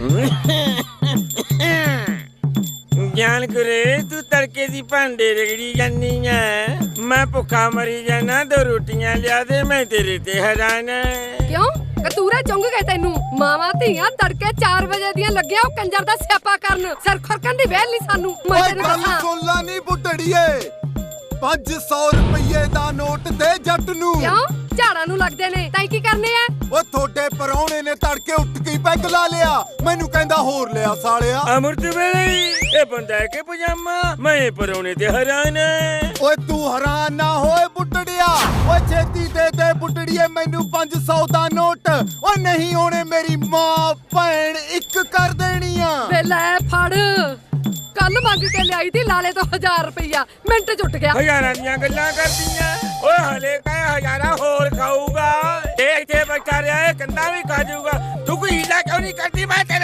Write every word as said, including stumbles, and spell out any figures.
ਜਾਨ ਕਰੇ ਤੂੰ ਤੜਕੇ ਦੀ ਭਾਂਡੇ ਰਗੜੀ ਜਾਨੀ ਐ। ਮੈਂ ਭੁੱਖਾ ਮਰੀ ਜਾਣਾ, ਦੋ ਰੋਟੀਆਂ ਲਿਆ ਦੇ, ਮੈਂ ਤੇਰੇ ਤੇ ਹੈਰਾਨ ਐ। ਕਿਉਂ ਕਤੂਰੇ ਚੁੰਗ ਗਏ ਤੈਨੂੰ? ਮਾਵਾਂ ਧੀਆਂ ਤੜਕੇ ਚਾਰ ਵਜੇ ਦੀਆਂ ਲੱਗਿਆ ਉਹ ਕੰਜਰ ਦਾ ਸਿਆਪਾ ਕਰਨ। ਸਿਰ ਖੁਰਕਣ ਦੀ ਵੇਲ ਨਹੀਂ ਸਾਨੂੰ। ਮੈਂ ਓਏ ਤੈਨੂੰ ਗੱਲ ਦੱਸਾਂ ਸੁਣ ਲਾ ਨੀ ਬੁੱਢੜੀਏ, ਪੰਜ ਸੌ ਰੁਪਏ ਦਾ ਨੋਟ ਦੇ ਜੱਟ ਨੂੰ। ਕਿਉਂ ਝਾੜਾਂ ਨੂੰ ਲੱਗਦੇ ਨੇ ਤਾਂ ਕੀ ਕਰਨੇ ਆ? ਓ ਤੁਹਾਡੇ ਪਰੌਣੇ ਨੇ ਤੜਕੇ ਉੱਠ ਕੇ ਪੈਗ ਲਾ ਲਿਆ, ਮੈਨੂੰ ਕਹਿੰਦਾ ਹੋਰ ਲਿਆ ਸਾਲਿਆ। ਅਮਰਤ ਵੇਲੇ ਇਹ ਬੰਦਾ ਹੈ ਕਿ ਪਜਾਮਾ, ਮੈਂ ਪਰੋਣੇ ਤੇ ਹੈਰਾਨ ਐ। ਓਏ ਤੂੰ ਹੈਰਾਨ ਨਾ ਹੋਏ ਬੁੱਢੜਿਆ, ਓਏ ਛੇਤੀ ਦੇ ਦੇ ਬੁੱਢੜੀਏ ਮੈਨੂੰ ਪੰਜ ਸੌ ਦਾ ਨੋਟ। ਓ ਨਹੀਂ ਹੋਣੇ ਮੇਰੀ ਮਾਂ ਭੈਣ ਇੱਕ ਕਰ ਦੇਣੀ ਆ। ਵੇ ਲੈ ਫੜ, ਕੱਲ ਮੰਗ ਕੇ ਲਿਆਈ ਤੀ ਲਾਲੇ ਤੋਂ ਹਜ਼ਾਰ ਰੁਪਈਆ, ਮਿੰਟ ਚ ਉੱਠ ਗਿਆ। ਹਜ਼ਾਰਾਂ ਦੀਆਂ ਗੱਲਾਂ ਕਰਦੀਆਂ ਓਏ, ਹਲੇ ਕਹੇ ਹਜ਼ਾਰਾਂ ਹੋਰ ਖਾਊਗਾ। ਇਹ ਇੱਥੇ ਬੈਠਾ ਰਿਹਾ, ਇਹ ਕੰਦਾ ਵੀ ਖਾ ਜਾਊਗਾ। ਤੂੰ ਕੋਈ ਹੀਲਾ ਕਿਉਂ ਨਹੀਂ ਕਰਦੀ? ਮੈਂ ਤੇਰੇ